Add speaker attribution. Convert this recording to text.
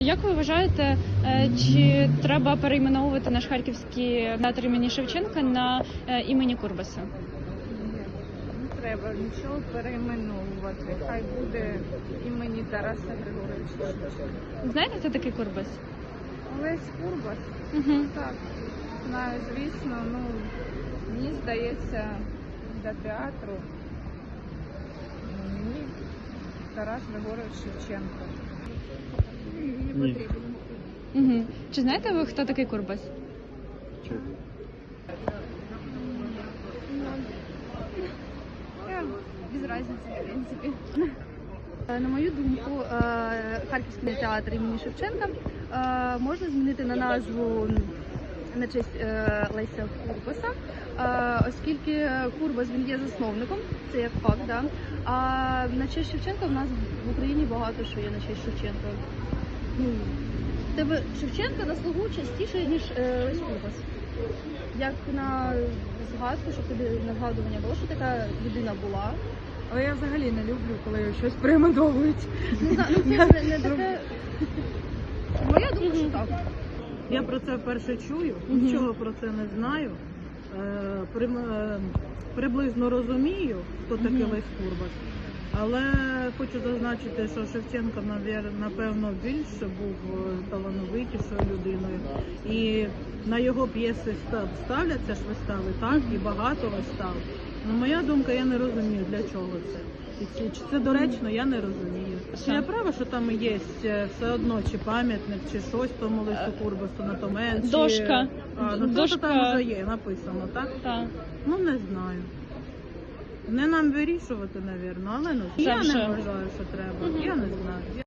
Speaker 1: Як ви вважаєте, чи треба перейменовувати наш харківський театр імені Шевченка на імені Курбаса?
Speaker 2: Не треба нічого перейменовувати. Хай буде імені Тараса Григоровича Шевченка.
Speaker 1: Знаєте, хто такий Курбас?
Speaker 2: Олесь Курбас?
Speaker 1: Угу.
Speaker 2: Так, знаю, звісно. Мені здається, для театру мені Тарас Григорович Шевченко.
Speaker 3: Ні.
Speaker 1: Угу. Чи знаєте ви, хто такий Курбас?
Speaker 4: Без разницы, в принципе. На мою думку, Харківський театр імені Шевченка можна змінити на назву на честь Леся Курбаса, оскільки Курбас він є засновником, це як факт, да? А на честь Шевченка в нас в Україні багато що є на честь Шевченка. Тебе Шевченка на слугу частіше, ніж Лесь Курбас. Як на згадку, щоб тобі на згадування було, що така людина була.
Speaker 2: Але я взагалі не люблю, коли щось перейменовують.
Speaker 4: Не знаю, це не таке. Моя думка, що так.
Speaker 5: Я про це вперше чую, нічого про це не знаю. Приблизно розумію, хто такий Лесь Курбас. Але хочу зазначити, що Шевченко, напевно, більше був талановитішою людиною. І на його п'єси ставляться ж вистави, так, і багато вистав. Ну, моя думка, я не розумію, для чого це. І чи це доречно, я не розумію. Чи я права, що там є все одно, чи пам'ятник, чи щось тому Лесю Курбасу на Томен, чи...
Speaker 1: Дошка.
Speaker 5: Дошка там вже є, написано, так?
Speaker 1: Так.
Speaker 5: Ну, не знаю. Не нам вирішувати, напевно, але я не вважаю, що треба. Я не знаю.